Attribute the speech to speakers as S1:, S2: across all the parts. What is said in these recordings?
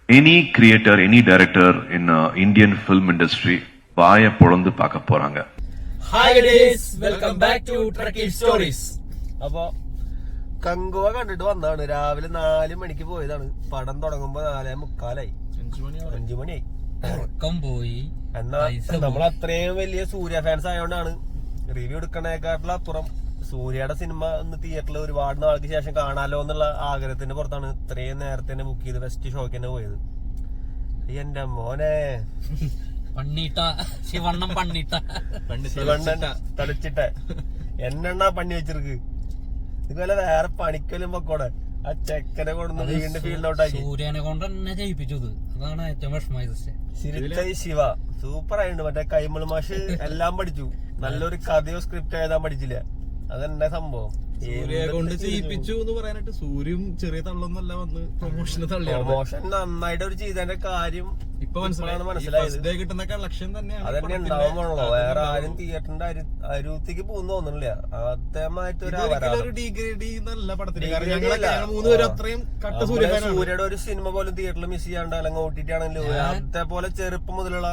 S1: Any creator, any director in Indian film industry வாய பொளந்து பார்க்க போறாங்க.
S2: Hi guys, welcome back to Truckee Stories.
S3: അപ്പൊ കങ്കുവ കണ്ടിട്ട് വന്നതാണ്. രാവിലെ 4 മണിക്ക് പോയതാണ്. പടം തുടങ്ങുമ്പോ 4:45 5 മണിയായി.
S2: ഉറക്കം പോയി.
S3: എന്നാൽ നമ്മൾ അത്രയും വലിയ സൂര്യ ഫാൻസ് ആയതുകൊണ്ടാണ് റിവ്യൂ എടുക്കണേക്കാട്ടിലും അപ്പുറം സൂര്യയുടെ സിനിമ ഒന്ന് തിയേറ്ററിൽ ഒരുപാട് നാൾക്ക് ശേഷം കാണാലോ എന്നുള്ള ആഗ്രഹത്തിന്റെ പുറത്താണ് ഇത്രയും നേരത്തെ തന്നെ ബുക്ക് ചെയ്ത് ഫസ്റ്റ് ഷോക്ക് തന്നെ പോയത്. എന്റെ മോനെ
S2: ശിവണ്ണൻ
S3: തളിച്ചിട്ടെ എന്നെണ്ണാ പണി വെച്ചിருக்கு. ഇതുപോലെ വേറെ പണിക്കലും പൊക്കോടെ ആ ചെക്കനെ കൊണ്ടു വീണ്ടും ഫീൽഡ് ഔട്ടാക്കി.
S2: സൂര്യനെ കൊണ്ട് തന്നെ ജയിപ്പിച്ചത്, അതാണ് ഏറ്റവും വിഷമമായത്.
S3: സിരിച്ചായി ശിവ സൂപ്പർ ആയിട്ടുണ്ട്. മറ്റേ കൈമൾ മാഷ് എല്ലാം പഠിച്ചു. നല്ലൊരു കഥയോ സ്ക്രിപ്റ്റ് എഴുതാൻ പഠിച്ചില്ല. അതെന്നെ സംഭവം.
S4: സൂര്യയെ കൊണ്ട് ചെയ്യിപ്പിച്ചു എന്ന് പറയാനായിട്ട് സൂര്യയും ചെറിയ തള്ളൊന്നല്ല വന്ന് പ്രൊമോഷന് തള്ളിയാണ്.
S3: പ്രൊമോഷൻ നന്നായിട്ട് ഒരു ചെയ്തതിന്റെ കാര്യം
S4: ഇപ്പൊ മനസ്സിലായത് കിട്ടുന്ന കളക്ഷൻ തന്നെയാണ്.
S3: അതന്നെ ഉണ്ടാവുമ്പോഴല്ലോ വേറെ ആരും തിയേറ്ററിന്റെ അരുത്തിക്ക് പോകുന്ന തോന്നുന്നില്ല. അതേമായിട്ട്
S4: ഒരു ഡിഗ്രേഡ് നല്ല പടത്തിന് മൂന്നുപേരും അത്രയും കട്ട
S3: സൂര്യയുടെ ഒരു സിനിമ പോലും തിയേറ്ററിൽ മിസ് ചെയ്യാണ്ട് അല്ലെങ്കിൽ OTT ആണെങ്കിലും അതേപോലെ ചെറുപ്പം മുതലുള്ള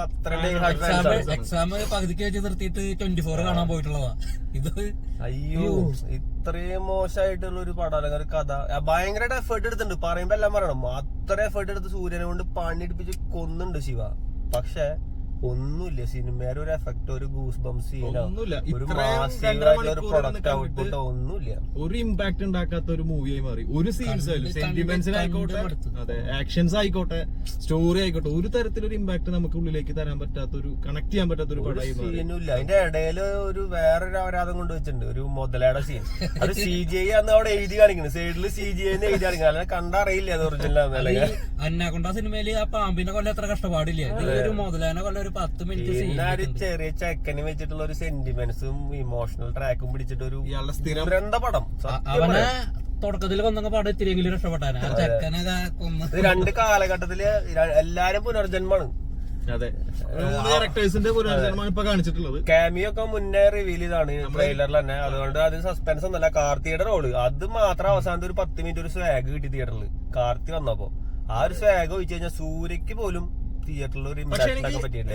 S2: എക്സാം പകുതിക്ക് വെച്ച് നിർത്തിയിട്ട് 24 കാണാൻ പോയിട്ടുള്ളതാ ഇത്.
S3: അയ്യോ ഇത്രയും മോശമായിട്ടുള്ള ഒരു പടം അല്ലെങ്കിൽ ഒരു കഥ ഭയങ്കരമായിട്ട് എഫേർട്ട് എടുത്തിട്ടുണ്ട്. പറയുമ്പോ എല്ലാം പറയണം. അത്ര എഫേർട്ട് എടുത്ത് സൂര്യനെ കൊണ്ട് പണിയെടുപ്പിച്ച് കൊന്നുണ്ട് ശിവ. പക്ഷെ ഒന്നുമില്ല. സിനിമയുടെ ഒരു എഫക്ട്, ഒരു ഗൂസ് ബംസ് സീനോ, ഒരു മാസീവായിട്ടുള്ള ഒരു പ്രൊഡക്റ്റ് ഔട്ട്പുട്ടോ ഒന്നുമില്ല.
S4: ഒരു ഇമ്പാക്ട് ഉണ്ടാക്കാത്ത ഒരു മൂവിയായി മാറി. ഒരു സീൻസ് ആയാലും സെന്റിമെന്റ്സിനായിക്കോട്ടെ, അതെ ആക്ഷൻസ് ആയിക്കോട്ടെ, സ്റ്റോറി ആയിക്കോട്ടെ, ഒരു തരത്തിലൊരു ഇമ്പാക്ട് നമുക്ക് ഉള്ളിലേക്ക് തരാൻ പറ്റാത്ത ഒരു കണക്ട് ചെയ്യാൻ പറ്റാത്ത ഒരു പടമായി
S3: സീനുമില്ല. അതിന്റെ ഇടയിൽ ഒരു വേറൊരു അപരാധം കൊണ്ടുവച്ചിട്ടുണ്ട്. ഒരു മുതലയുടെ സീൻ. അത് CGI അന്ന് അവിടെ എഴുതി കാണിക്കുന്നു. സൈഡില് CGI എഴുതി കാണിക്കുന്നത്. അല്ലെങ്കിൽ കണ്ടറിയില്ല അത് ഒറിജിനൽ ആണെന്നല്ലേ.
S2: അന്നാകൊണ്ട സിനിമയില് ആ പാമ്പിനെ കൊല്ലം എത്ര കഷ്ടപ്പാടില്ല. ഒരു മുതലാനെ കൊല്ലം ഒരു 10 മിനിറ്റ്.
S3: ഒരു ചെറിയ ചെക്കനെ വെച്ചിട്ടുള്ള ഒരു സെന്റിമെന്റ്സും ഇമോഷണൽ ട്രാക്കും പിടിച്ചിട്ട് ഒരു എന്താ പടം.
S2: അവനെ തുടക്കത്തിൽ കൊന്നൊക്കെ പാട് ഇത്തിരിയെങ്കിലും രക്ഷപ്പെട്ടാണ്. ആ ചെക്കനെ കൊന്ന്
S3: രണ്ട് കാലഘട്ടത്തില് എല്ലാരും പുനർജന്മാണ്.
S4: അതെ, ക്യാരക്ടേഴ്സിന്റെ പുനർജന്മമാണ് ഇപ്പൊ കാണിച്ചിട്ടുള്ളത്.
S3: കാമിയോ ഒക്കെ മുന്നേ റിവീൽ ചെയ്താണ് ട്രെയിലറിൽ തന്നെ. അതുകൊണ്ട് അതിന് സസ്പെൻസ് ഒന്നല്ല. കാർത്തിയുടെ റോള് അത് മാത്രം അവസാനത്തെ ഒരു 10 മിനിറ്റ് ഒരു സ്വാഗ് കിട്ടി തിയേറ്ററിൽ. കാർത്തി വന്നപ്പോ ആ ഒരു സ്വാഗ് ഒഴിച്ചു കഴിഞ്ഞാൽ സൂര്യക്ക് പോലും തിയേറ്ററിൽ ഒരു ഇമ്പാക്ട് പറ്റിയിട്ടില്ല.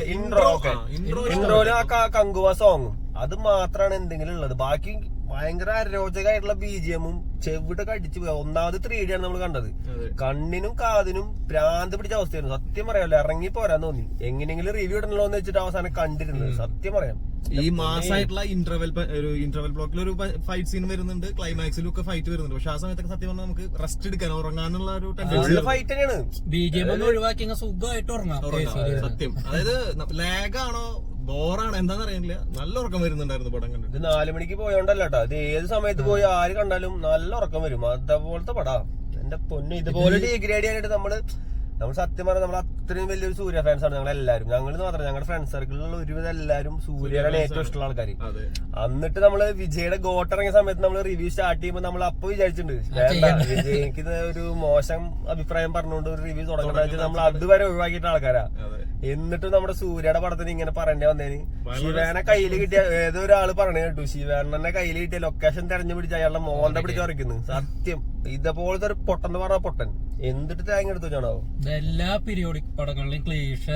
S3: ഇൻട്രോയിലും ആ കങ്കുവ സോങ്ങും അത് മാത്രമാണ് എന്തെങ്കിലും ഉള്ളത്. ബാക്കി ഭയങ്കര അരോചകമായിട്ടുള്ള BGMഉം ചെവിടൊക്കെ അടിച്ചു പോയി. ഒന്നാമത് 3D ആണ് നമ്മൾ കണ്ടത്. കണ്ണിനും കാതിനും ഭ്രാന്ത് പിടിച്ച അവസ്ഥയായിരുന്നു. സത്യം പറയാമല്ലോ, ഇറങ്ങി പോരാൻ തോന്നി. എങ്ങനെയെങ്കിലും റിവ്യൂ ഇടണല്ലോ എന്ന് വെച്ചിട്ട് അവസാനം കണ്ടിരുന്നത്. സത്യം പറയാം,
S4: ഈ മാസമായിട്ടുള്ള ഇന്റർവെൽ ബ്ലോക്കിൽ ഒരു ഫൈറ്റ് സീൻ വരുന്നുണ്ട്, ക്ലൈമാക്സിലും ഒക്കെ ഫൈറ്റ് വരുന്നുണ്ട്. പക്ഷെ ആ സമയത്തൊക്കെ സത്യം പറഞ്ഞാൽ നമുക്ക് റെസ്റ്റ് എടുക്കാൻ, ഉറങ്ങാനുള്ള ഒരു
S3: ഫൈറ്റ് തന്നെയാണ്.
S2: BGM ഒന്ന് ഒഴിവാക്കി സുഖമായിട്ട് ഉറങ്ങാം.
S4: സത്യം, അതായത് ലാഗാണോ ബോറാണ് എന്താന്ന് അറിയില്ല, നല്ല ഉറക്കം വരുന്നുണ്ടായിരുന്നു പടം കണ്ടിട്ട്.
S3: ഇത് 4 മണിക്ക് പോയോണ്ടല്ലോ കേട്ടോ. ഇത് ഏത് സമയത്ത് പോയി ആര് കണ്ടാലും നല്ല ഉറക്കം വരും. അതേപോലത്തെ പടാ. എന്റെ പൊന്നു, ഇതുപോലെ ഡിഗ്രേഡ് ചെയ്യാനായിട്ട് നമ്മള് സത്യം പറഞ്ഞാൽ നമ്മൾ അത്രയും വലിയൊരു സൂര്യ ഫാൻസ് ആണ് ഞങ്ങളെല്ലാരും. ഞങ്ങൾ മാത്രം ഞങ്ങളുടെ ഫ്രണ്ട് സർക്കിളിലുള്ള ഒരുവിധം എല്ലാവരും സൂര്യനാണ് ഏറ്റവും ഇഷ്ടമുള്ള ആൾക്കാർ. എന്നിട്ട് നമ്മള് വിജയുടെ ഗോട്ട് ഇറങ്ങിയ സമയത്ത് നമ്മൾ റിവ്യൂ സ്റ്റാർട്ട് ചെയ്യുമ്പോൾ നമ്മൾ അപ്പൊ വിചാരിച്ചിട്ടുണ്ട് വിജയ്ക്ക് ഒരു മോശം അഭിപ്രായം പറഞ്ഞുകൊണ്ട് ഒരു റിവ്യൂ തുടങ്ങേണ്ട നമ്മൾ അതുവരെ ഒഴിവാക്കിയിട്ട് ആൾക്കാരാ. എന്നിട്ട് നമ്മുടെ സൂര്യയുടെ പടത്തിന് ഇങ്ങനെ പറയേണ്ടി വന്നേന്. ശിവേനെ കയ്യിൽ കിട്ടിയ ഏതോ ഒരാള് പറഞ്ഞു കേട്ടു, ശിവേനെ കയ്യിൽ കിട്ടിയ ലൊക്കേഷൻ തെരഞ്ഞു പിടിച്ച് അയാളുടെ മോന്റെ പിടിച്ച് ഉറക്കുന്നു. സത്യം ഇതേപോലത്തെ ഒരു പൊട്ടൻ എന്ന് പറഞ്ഞ പൊട്ടൻ എന്തിട്ട് തേങ്ങ എടുത്തു വെച്ചാണോ.
S2: എല്ലാ പീരിയോഡിക് പടങ്ങളിലും ക്ലീഷേ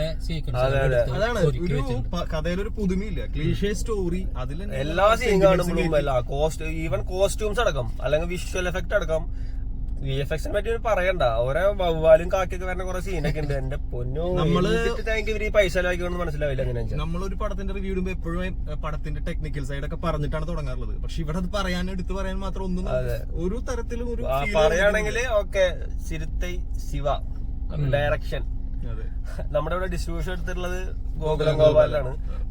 S4: അതാണ് ഒരു കഥയിലൊരു പുതുമയില്ല. ക്ലീഷേ സ്റ്റോറി അതിൽ
S3: എല്ലാ സീൻ കാണുമ്പോഴും ഈവൻ കോസ്റ്റ്യൂംസ് അടക്കം അല്ലെങ്കിൽ വിഷ്വൽ എഫക്ട് അടക്കം VFXനെ പറ്റി പറയണ്ട. ഓരോ വവ്വാലും കാക്കൊക്കെ വരുന്ന കുറെ സീനൊക്കെ ഉണ്ട്. എന്റെ പൊന്നു, ഇവര് പൈസ ചെലവാക്കിയോന്ന് മനസ്സിലാവില്ല. അങ്ങനെ
S4: നമ്മളൊരു പടത്തിന്റെ റിവ്യൂ ഇടുമ്പോ എപ്പോഴും പടത്തിന്റെ ടെക്നിക്കൽ സൈഡ് ഒക്കെ പറഞ്ഞിട്ടാണ് തുടങ്ങാറുള്ളത്. പക്ഷെ ഇവിടെ അത് എടുത്തു പറയാൻ മാത്രം ഒന്നും ഒരു തരത്തിലും ഒരു
S3: പറയുകയാണെങ്കിൽ ഓക്കെ. സിരുത്തൈ ശിവ ഡയറക്ഷൻ. നമ്മുടെ ഇവിടെ ഡിസ്ട്രിബ്യൂഷൻ എടുത്തിട്ടുള്ളത് ഗോകുലം ഗോപാലാണ്.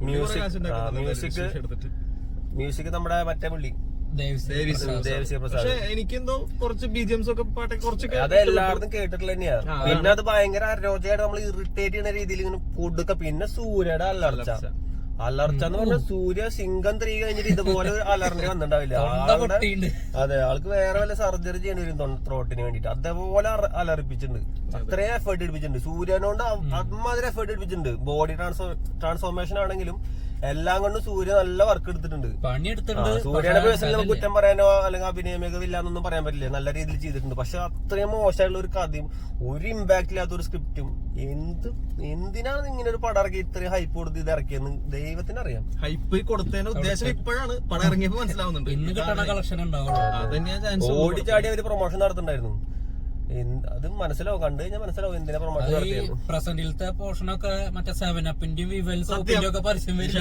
S3: മ്യൂസിക് നമ്മുടെ മറ്റേ പുള്ളി
S4: പക്ഷെ എനിക്കെന്തോ കുറച്ച് BGMs ഒക്കെ പാട്ടൊക്കെ കുറച്ചൊക്കെ
S3: അത് എല്ലായിടത്തും കേട്ടിട്ടുള്ള തന്നെയാണ്. പിന്നെ അത് ഭയങ്കര അരോചകമായിട്ട് നമ്മൾ ഇറിറ്റേറ്റ് ചെയ്യുന്ന രീതിയിൽ ഇങ്ങനെ കൊടുക്ക. പിന്നെ സൂര്യയുടെ അലർച്ച എന്ന് പറഞ്ഞാൽ സൂര്യ സിംഗം 3 കഴിഞ്ഞിട്ട് ഇതുപോലെ അലറിന്റെ വന്നിട്ടുണ്ടാവില്ല. അതെ, ആൾക്ക് വേറെ വല്ല സർജറി ചെയ്യേണ്ടി വരും ത്രോട്ടിന് വേണ്ടിട്ട്. അതേപോലെ അലറിപ്പിച്ചിട്ടുണ്ട്. അത്രയും എഫേർട്ട് എടുപ്പിച്ചിട്ടുണ്ട്. സൂര്യനോണ്ട് അമ്മാതിരി എഫേർട്ട് എടുപ്പിച്ചിട്ടുണ്ട്. ബോഡി ട്രാൻസ്ഫോർമേഷൻ ആണെങ്കിലും എല്ലാം കൊണ്ടും സൂര്യ നല്ല വർക്ക് എടുത്തിട്ടുണ്ട്.
S2: പണിയെടുത്തിട്ടുണ്ട്.
S3: സൂര്യയുടെ പേഴ്സണൽ കുറ്റം പറയാനോ അല്ലെങ്കിൽ അഭിനയ മികവില്ലാന്നൊന്നും പറയാൻ പറ്റില്ല, നല്ല രീതിയിൽ ചെയ്തിട്ടുണ്ട്. പക്ഷെ അത്രയും മോശമായിട്ടുള്ള ഒരു കഥയും ഒരു ഇമ്പാക്ട് ഇല്ലാത്ത ഒരു സ്ക്രിപ്റ്റും എന്തിനാണ് ഇങ്ങനെ ഒരു പടം ഇറക്കി ഇത്രയും ഹൈപ്പ് കൊടുത്ത് ഇത് ഇറക്കിയെന്ന് ദൈവത്തിനറിയാം.
S4: ഹൈപ്പ് കൊടുത്തതിന്റെ ഉദ്ദേശം ഇപ്പോഴാണ് പടം ഇറങ്ങിയപ്പോ മനസ്സിലാവുന്നുണ്ട്.
S2: ഇന്ന് കിട്ടണ കളക്ഷൻ ഉണ്ടാവുള്ളൂ.
S4: അതന്നെയാ ചാൻസ്.
S3: ഓടിച്ചാടി അവര് പ്രൊമോഷൻ നടത്തുന്നുണ്ടായിരുന്നു. അത് മനസ്സിലാവും, കണ്ടു കഴിഞ്ഞാൽ മനസ്സിലാവും എന്തിനാ പ്രൊമോഷൻ നടത്തിയത്.
S2: പ്രസന്റിലത്തെ പോർഷനൊക്കെ മറ്റേ 7-Upന്റെയും വിവൽ സോപ്പിന്റെയും ഒക്കെ പരസ്യം വരും.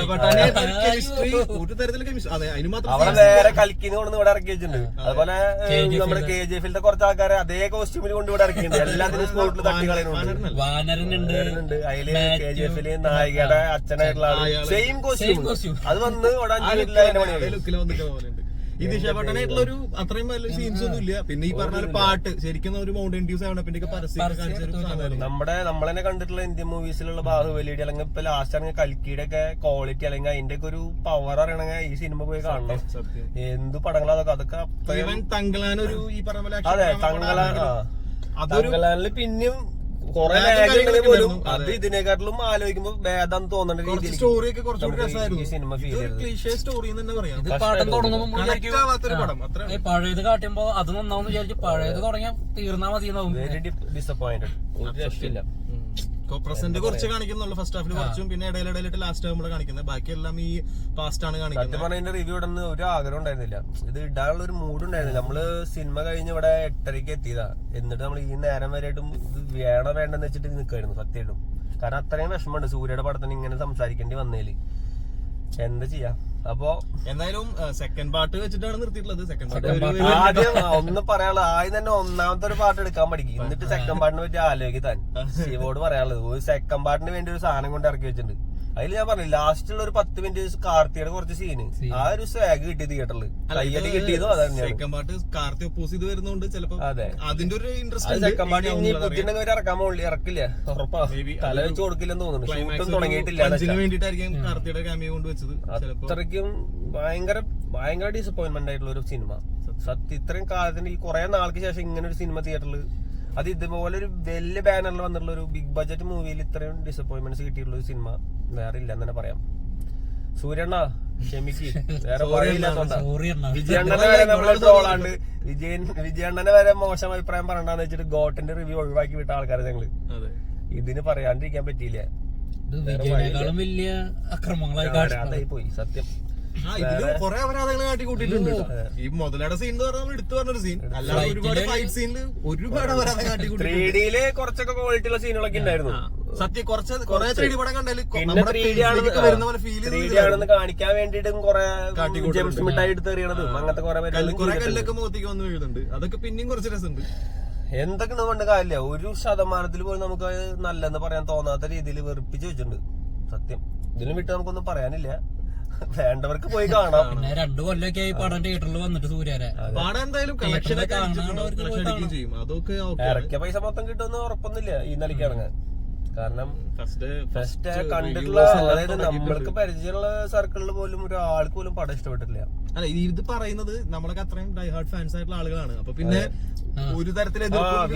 S4: ഒരു തരത്തില്
S3: അവിടെ നേരെ കൽക്കിന്ന് കൊണ്ടു ഇവിടെ ഇറക്കി വെച്ചിട്ടുണ്ട്. അതുപോലെ നമ്മുടെ KGF-ന്റെ കുറച്ച് ആൾക്കാരെ അതേ കോസ്റ്റ്യൂമിൽ കൊണ്ട് ഇവിടെ ഇറക്കിയിട്ടുണ്ട്. എല്ലാത്തിനും സ്പോട്ടിൽ തട്ടി കളയുന്നുണ്ട്.
S2: വാനരനുണ്ട്.
S3: അതില് KGF-ല് നായികയുടെ അച്ഛനായിട്ടുള്ള ആള് സെയിം കോസ്റ്റ്യൂം. അത് വന്ന് ഇവിടെ 5 മിനിറ്റിൽ അതിന്റെ പണി.
S4: ഈ ദിശാപട്ടനായിട്ടുള്ള ഒരു അത്രയും വലിയ സീൻസ് ഒന്നും ഇല്ല. പിന്നെ ഈ പറഞ്ഞ പാട്ട് ശരിക്കും ഒരു മൗണ്ടൻ ഡ്യൂസ് ആണ്. പിന്നെ പരസ്യം
S3: നമ്മളെന്നെ കണ്ടിട്ടുള്ള ഇന്ത്യൻ മൂവീസിലുള്ള ബാഹുബലിയുടെ അല്ലെങ്കിൽ ഇപ്പൊ ലാസ്റ്റ് ആണെങ്കിൽ കൽക്കിയുടെ ഒക്കെ ക്വാളിറ്റി അല്ലെങ്കിൽ അതിന്റെ ഒക്കെ ഒരു പവർ അറിയണമെങ്കിൽ ഈ സിനിമ പോയി കാണണം. എന്ത് പടങ്ങളാ അതൊക്കെ.
S4: തങ്കളാനൊരു ഈ പറഞ്ഞ
S3: അതെ, തങ്കളാനില് പിന്നെയും കൊറേ പോലും അത് ഇതിനെക്കാട്ടിലും ആലോചിക്കുമ്പോ ഭേദം തോന്നുന്ന രീതിയിൽ
S4: സ്റ്റോറി ഒക്കെ കുറച്ചുകൂടി
S3: ഈ സിനിമ ഫീൽ ചെയ്തത്.
S4: സ്റ്റോറി തന്നെ പറയാം.
S2: ഇത് പടം തുടങ്ങുമ്പോ പഴയത് കാട്ടുമ്പോ അത് നന്നാവും വിചാരിച്ചു പഴയത് തുടങ്ങിയാൽ തീർന്നാ മതി.
S3: Very disappointed. ഒരു രക്ഷയില്ല.
S4: പ്രസന്റ് കുറച്ച് കാണിക്കുന്നുള്ളൂ ഫസ്റ്റ് ഹാഫിൽ കുറച്ചും, പിന്നെ ഇടയിലിടയിലിട്ട് ലാസ്റ്റ് ആകുമ്പോൾ കാണിക്കുന്നത്. ബാക്കിയെല്ലാം ഈ പാസ്റ്റ് ആണ് കാണിക്കുന്നത്.
S3: സത്യം പറഞ്ഞ റിവ്യൂ ഇടുന്ന ഒരു ആഗ്രഹം ഉണ്ടായിരുന്നില്ല, ഇത് ഇടാനുള്ള ഒരു മൂഡ് ഉണ്ടായിരുന്നില്ല. നമ്മള് സിനിമ കഴിഞ്ഞ് ഇവിടെ 8:30 എത്തിയതാ. എന്നിട്ട് നമ്മൾ ഈ നേരം വരെയായിട്ടും ഇത് വേണോ വേണ്ടെന്ന് വെച്ചിട്ട് നിൽക്കായിരുന്നു സത്യമായിട്ടും. കാരണം അത്രയും വിഷമമുണ്ട് സൂര്യയുടെ പടത്തിന് ഇങ്ങനെ സംസാരിക്കേണ്ടി വന്നേല്. എന്താ ചെയ്യാ. അപ്പൊ
S4: എന്തായാലും സെക്കൻഡ് പാർട്ട് വെച്ചിട്ടാണ് നിർത്തിയിട്ടുള്ളത്. സെക്കൻഡ് പാർട്ട്
S3: ആദ്യം ഒന്ന് പറയാനുള്ളത്, ആദ്യം തന്നെ ഒന്നാമത്തെ ഒരു പാർട്ട് എടുക്കാൻ പഠിക്കും, എന്നിട്ട് സെക്കൻഡ് പാർട്ടിനെ പറ്റി ആലോചിക്കാൻ ശിവോട് പറയാനുള്ളത്. ഒരു സെക്കൻഡ് പാർട്ടിന് വേണ്ടി ഒരു സാധനം കൊണ്ട് ഇറക്കി വെച്ചിട്ടുണ്ട്. അതിൽ ഞാൻ പറഞ്ഞു ലാസ്റ്റുള്ള ഒരു 10 മിനിറ്റ് കാർത്തിയുടെ കുറച്ച് സീന് ആ ഒരു സ്വാഗ് കിട്ടി തിയേറ്ററിൽ. കയ്യടി കിട്ടിയതോ അതന്നെയാണ്.
S4: സെക്കൻഡ് പാർട്ട് കാർത്തി ഒപ്പോസ് ചെയ്ത് വരുന്നോണ്ട് ചിലപ്പോ
S3: അതെ
S4: അതിന്റെ ഒരു ഇൻട്രസ്റ്റ്.
S3: സെക്കൻഡ് പാർട്ടി ഇനി ബുദ്ധിണ്ടെങ്കിൽ ഇറക്കാൻ പോകില്ല, ഇറക്കില്ല, ഉറപ്പാ. തല വെച്ച് കൊടുക്കില്ലെന്ന് തോന്നുന്നു. ഷൂട്ടും തുടങ്ങിയിട്ടില്ല.
S4: വേണ്ടിട്ടായിരിക്കും കാർത്തിയുടെ ക്യാമിയോ കൊണ്ട് വെച്ചത്.
S3: അത്രയ്ക്കും ഭയങ്കര ഡിസപ്പോയിന്റ്മെന്റ് ആയിട്ടുള്ള ഒരു സിനിമ. സത്യം ഇത്രയും കാലത്തിന് ഈ കുറെ നാൾക്ക് ശേഷം ഇങ്ങനെ ഒരു സിനിമ തിയേറ്ററിൽ, അത് ഇതുപോലെ ഒരു വലിയ ബാനറിൽ വന്നിട്ടുള്ള ഒരു ബിഗ് ബഡ്ജറ്റ് മൂവിയിൽ ഇത്രയും ഡിസപ്പോയിന്റ്മെന്റ്സ് കിട്ടിയിട്ടുള്ള ഒരു സിനിമ വേറെ ഇല്ലെന്ന് തന്നെ പറയാം. സൂര്യണ്ണ ക്ഷമിക്ക്, വേറെ പറയില്ലാത്തോണ്ടാ. വിജയണ്ണനെ വരെ നമ്മളെ ട്രോളാണ്ട് വിജയണ്ണനെ വരെ മോശം അഭിപ്രായം പറയണ്ടെന്ന് വെച്ചിട്ട് ഗോട്ടിന്റെ റിവ്യൂ ഒഴിവാക്കി വിട്ട ആൾക്കാരെ ഞങ്ങള്. ഇതിന് പറയാണ്ടിരിക്കാൻ പറ്റിയില്ല.
S2: വലിയ അക്രമങ്ങളായി
S3: അതായി പോയി സത്യം.
S4: ഇതില് കുറെ അപരാധങ്ങൾ കാട്ടിക്കൂട്ടിയിട്ടുണ്ട്. ഈ മുതലയുടെ സീൻ എന്ന് പറഞ്ഞാൽ എടുത്തു പറഞ്ഞൊരു സീൻ, അല്ലാതെ ഒരുപാട് ഫൈറ്റ് സീനിൽ ഒരുപാട് അപരാധം കാട്ടിക്കൂട്ടി.
S3: 3Dയില് കുറച്ചൊക്കെ ക്വാളിറ്റി ഉള്ള സീനുകളൊക്കെ ഉണ്ടായിരുന്നു.
S4: സത്യം കുറെ 3D പടം കണ്ടാല്
S3: പിന്നെ 3D ആണെന്ന് കാണിക്കാൻ വേണ്ടിട്ടും കുറെ ജംസ് മിഠായി എടുത്ത് എറിയണതും അങ്ങനത്തെ
S4: കുറെ കല്ലൊക്കെ മുഖത്തേക്ക് വന്ന് വീഴുന്നുണ്ട്. അതൊക്കെ പിന്നെയും കുറച്ച് രസമുണ്ട്.
S3: എന്തൊക്കെ കൊണ്ട് കാര്യമില്ല, 1% പോലും നമുക്ക് നല്ലെന്ന് പറയാൻ തോന്നാത്ത രീതിയിൽ വെറുപ്പിച്ച് വെച്ചിട്ടുണ്ട് സത്യം. ഇതിലും വിട്ട് നമുക്കൊന്നും പറയാനില്ല, വേണ്ടവർക്ക് പോയി കാണാം.
S2: പിന്നെ 2 കൊല്ലൊക്കെ ആയി പടം തിയേറ്ററിൽ വന്നിട്ട് സൂര്യരെ
S4: പാടം എന്തായാലും
S3: ഇറക്കിയ പൈസ മൊത്തം കിട്ടുമെന്ന് ഉറപ്പൊന്നുമില്ല ഈ നിലയ്ക്ക് ഇറങ്ങാൻ. കാരണം ഫസ്റ്റ് കണ്ടിട്ടുള്ള, അതായത് നമ്മൾക്ക് പരിചയമുള്ള സർക്കിളിൽ പോലും ഒരാൾക്ക് പോലും പടം ഇഷ്ടപ്പെട്ടിട്ടില്ല.
S4: അല്ല ഇത് പറയുന്നത് നമ്മളൊക്കെ അത്രയും ഡൈ ഹാർഡ് ഫാൻസ് ആയിട്ടുള്ള ആളുകളാണ്. അപ്പൊ പിന്നെ ഒരു തരത്തില്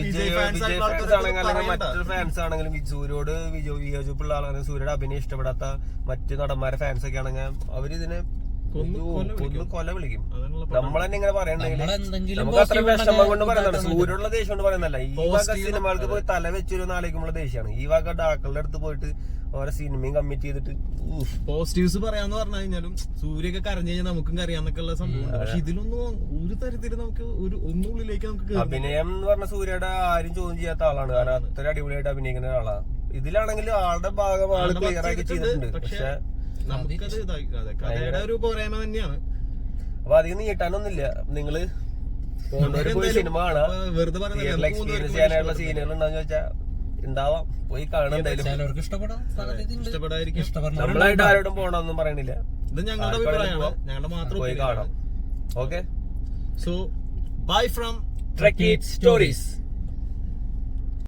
S3: മറ്റൊരു ഫാൻസ് ആണെങ്കിലും സൂര്യോട് വിയോജിപ്പുള്ള ആളാണെങ്കിൽ, സൂര്യയുടെ അഭിനയം ഇഷ്ടപ്പെടാത്ത മറ്റു നടന്മാരെ ഫാൻസ് ഒക്കെ ആണെങ്കിൽ അവരിതിനെ കൊല വിളിക്കും. നമ്മൾ തന്നെ ഇങ്ങനെ പറയണ്ടെങ്കിൽ നമുക്ക് അത്ര വിഷമം കൊണ്ട് പറയുന്നതാണ്, സൂര്യനുള്ള ദേഷ്യം കൊണ്ട് പറയുന്നല്ല. ഈ വക സിനിമകൾക്ക് പോയി തല വെച്ചൊരു ആലോചിക്കുമ്പോൾ ദേഷ്യമാണ്. ഈ വക ഡാക്കളുടെ അടുത്ത് പോയിട്ട് ഓരോ സിനിമയും കമ്മിറ്റ് ചെയ്തിട്ട്
S4: പോസിറ്റീവ്സ് പറയാന്ന് പറഞ്ഞു കഴിഞ്ഞാലും സൂര്യൊക്കെ കരഞ്ഞു കഴിഞ്ഞാൽ നമുക്കും കരയാന്നൊക്കെ ഉള്ള സംഭവം. പക്ഷെ ഇതിലൊന്നും ഒരു തരത്തില് നമുക്ക് ഒന്നുള്ളിലേക്ക് നമുക്ക്
S3: അഭിനയം എന്ന് പറഞ്ഞ സൂര്യയുടെ ആരും ചോദ്യം ചെയ്യാത്ത ആളാണ്. കാരണം അത്ര അടിപൊളിയായിട്ട് അഭിനയിക്കുന്ന ഒരാളാണ്. ഇതിലാണെങ്കിൽ ആളുടെ ഭാഗം ആള് ക്ലിയർ ആക്കി ചെയ്തിട്ടുണ്ട്. പക്ഷെ
S4: നമുക്കത് കഥയുടെ ഒരു പോരായ്മ തന്നെയാണ്.
S3: അപ്പൊ അധികം നീട്ടാനൊന്നുമില്ല. നിങ്ങള് പോയി സിനിമ കാണാം, എക്സ്പീരിയൻസ് ചെയ്യാനായിട്ടുള്ള സീനുകൾ ഉണ്ടാന്ന് ചോദിച്ചാൽ ഉണ്ടാവാം, പോയി കാണാൻ. എന്തായാലും
S4: ഇഷ്ടപ്പെടാതിരിക്കും.
S3: നമ്മളായിട്ട് ആരോടും പോകണമെന്നും പറയണില്ല,
S4: ഇത് ഞങ്ങളുടെ അഭിപ്രായമാണ്, ഞങ്ങളുടെ മാത്രം
S3: പോയി കാണാം. Okay,
S4: so bye from
S3: trek it stories.